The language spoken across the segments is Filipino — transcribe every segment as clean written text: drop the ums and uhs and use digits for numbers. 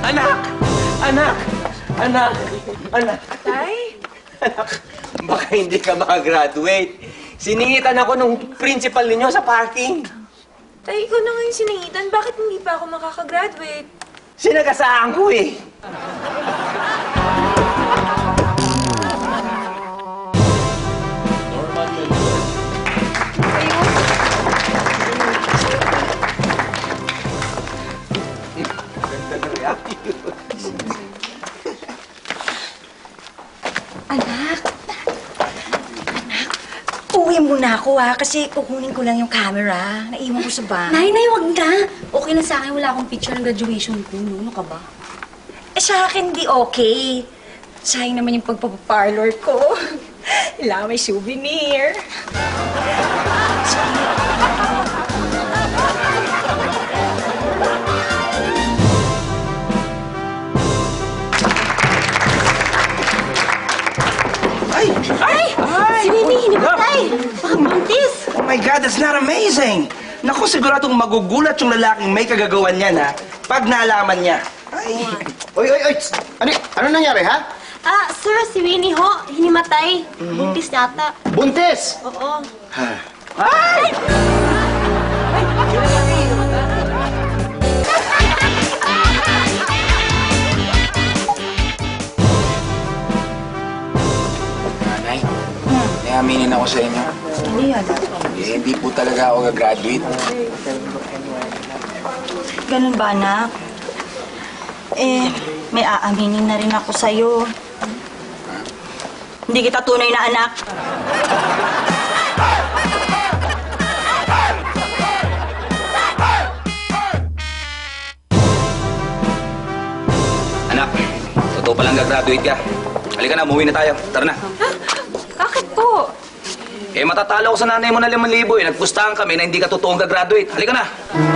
Anak! Anak! Anak! Anak! Tay? Anak, baka hindi ka makagraduate. Siningitan ako nung principal ninyo sa parking. Tay, ikaw na nga yung siningitan. Bakit hindi pa ako makakagraduate? Sinagasaan ko eh. Anak, uwi muna ako kasi kukunin ko lang yung camera. Naiwan ko sa bahay. Nay, wag na. Okay na sa akin, wala akong picture ng graduation ko. Ano ka ba? Sa akin di okay. Sayang naman yung pagpapaparlor ko. Kailangan may souvenir. Ay! Ay! Si Winnie, hinipatay! Baka buntis! Oh my God, that's not amazing! Naku, siguradong magugulat yung lalaking may kagagawan niyan, ha? Pag nalaman niya. Ay! Oy! Ano nangyari, ha? Sir, si Winnie ho, hinimatay. Buntis yata. Buntis! Oo. Ay! Nanay, may aminin ako sa inyo. Ano yan? Hindi po talaga ako gagraduate. Ganun ba, anak? May aaminin na rin ako sa'yo. Hindi kita tunay na anak. Anak, totoo palang gagraduate ka. Halika na, umuwi na tayo. Tara na. Bakit po? Matatalo ko sa nanay mo na 5,000 eh. Nagpustahan kami na hindi ka totoong gagraduate. Halika na.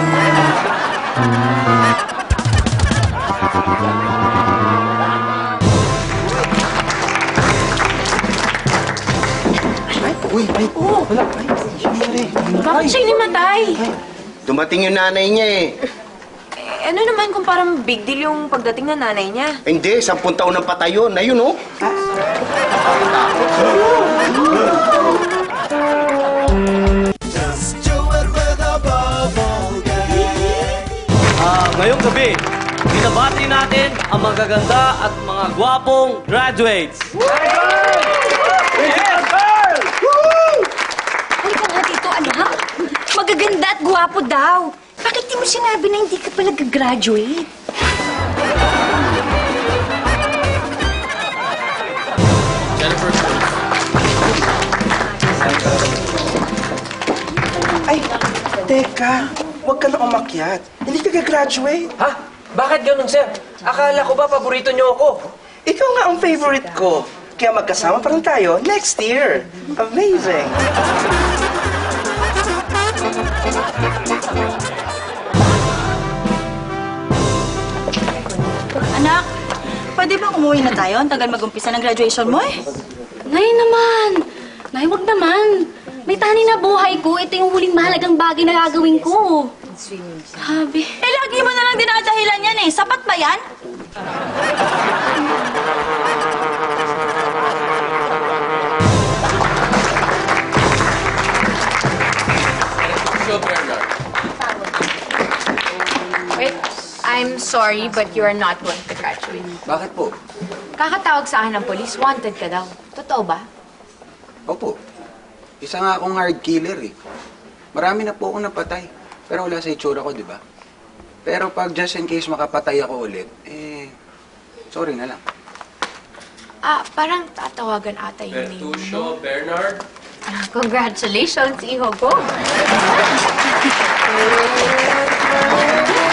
Bakit siya hinimatay? Dumating yung nanay niya eh. Ano naman kung parang big deal yung pagdating ng nanay niya? Hindi, 10 taon ng patay yun. Ayun, oh. Ngayong gabi, binabati natin ang magaganda at mga gwapong graduates. Halika nga dito, anak. Magaganda at gwapo daw. Bakit di mo sinabi na hindi ka pa nag-graduate? Ay! Teka! Huwag ka na umakyat. Hindi ka gagraduate. Ha? Bakit ganun, sir? Akala ko ba paborito niyo ako? Ikaw nga ang favorite ko. Kaya magkasama pa rin tayo next year. Amazing! Anak, pwede bang umuwi na tayo? Ang tagal mag-umpisa ng graduation mo eh. Nay naman. Nay, wag naman. May tani na buhay ko. Ito yung huling mahalagang bagay na gagawin ko. Sabi. Lagi mo na lang dinadahilan yan eh. Sapat ba yan? Wait, I'm sorry, but you are not going to graduate. Bakit po? Kakatawag sa akin ng polis, wanted ka daw. Totoo ba? Opo. Isa nga akong hard killer eh. Marami na po akong napatay. Pero wala sa itsura ko, di ba? Pero pag just in case makapatay ako ulit, sorry na lang. Parang tatawagan ata yung name mo. Bertuccio, Bernard. Congratulations, iho ko.